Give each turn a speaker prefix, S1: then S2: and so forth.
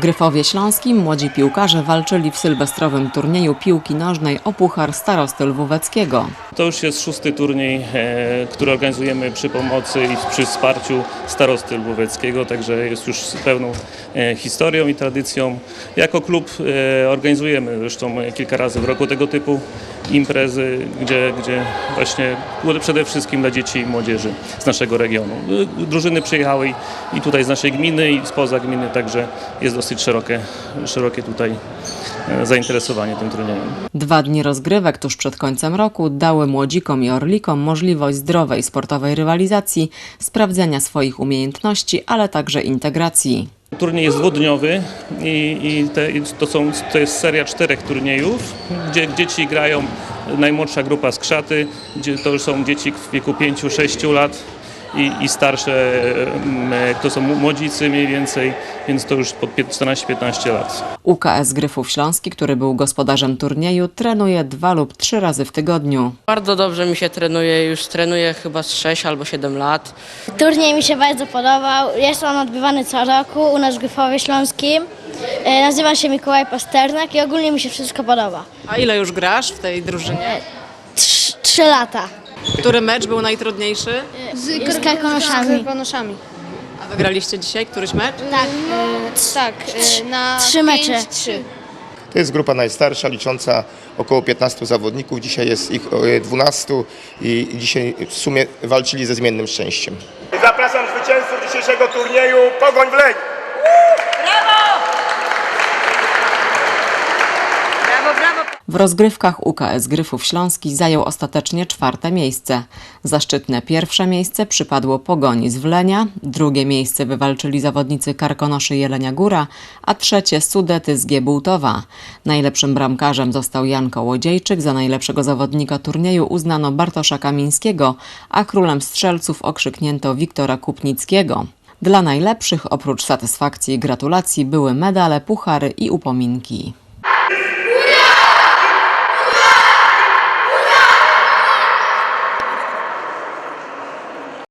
S1: Gryfowie Śląskim młodzi piłkarze walczyli w sylwestrowym turnieju piłki nożnej o Puchar Starosty Lwóweckiego.
S2: To już jest 6. turniej, który organizujemy przy pomocy i przy wsparciu Starosty Lwóweckiego, także jest już z pełną historią i tradycją. Jako klub organizujemy zresztą kilka razy w roku tego typu imprezy, gdzie właśnie przede wszystkim dla dzieci i młodzieży z naszego regionu. Drużyny przyjechały i tutaj z naszej gminy i spoza gminy, także jest dosyć szerokie tutaj zainteresowanie tym turniejem.
S1: 2 dni rozgrywek tuż przed końcem roku dały młodzikom i orlikom możliwość zdrowej sportowej rywalizacji, sprawdzenia swoich umiejętności, ale także integracji.
S2: Turniej jest dwudniowy i to jest seria 4 turniejów, gdzie dzieci grają, najmłodsza grupa z Krzaty, gdzie to już są dzieci w wieku 5-6 lat i starsze, to są młodzicy mniej więcej, więc to już po 14-15 lat.
S1: UKS Gryfów Śląski, który był gospodarzem turnieju, trenuje 2 lub 3 razy w tygodniu.
S3: Bardzo dobrze mi się trenuje, już trenuję chyba z 6 albo 7 lat.
S4: Turniej mi się bardzo podobał, jest on odbywany co roku u nas w Gryfowie Śląskim. Nazywa się Mikołaj Pasternak i ogólnie mi się wszystko podoba.
S5: A ile już grasz w tej drużynie?
S4: 3 lata.
S5: Który mecz był najtrudniejszy?
S4: Z Karkonoszami.
S5: A wygraliście dzisiaj któryś mecz?
S4: Tak,
S6: na
S4: 3 mecze.
S6: 5-3.
S7: To jest grupa najstarsza, licząca około 15 zawodników. Dzisiaj jest ich 12 i dzisiaj w sumie walczyli ze zmiennym szczęściem.
S8: Zapraszam zwycięzców dzisiejszego turnieju Pogoń w Leń.
S1: W rozgrywkach UKS Gryfów Śląski zajął ostatecznie 4. miejsce. Zaszczytne 1. miejsce przypadło Pogoni z Wlenia, 2. miejsce wywalczyli zawodnicy Karkonoszy Jelenia Góra, a 3. Sudety z Giebultowa. Najlepszym bramkarzem został Jan Kołodziejczyk, za najlepszego zawodnika turnieju uznano Bartosza Kamińskiego, a królem strzelców okrzyknięto Wiktora Kupnickiego. Dla najlepszych oprócz satysfakcji i gratulacji były medale, puchary i upominki.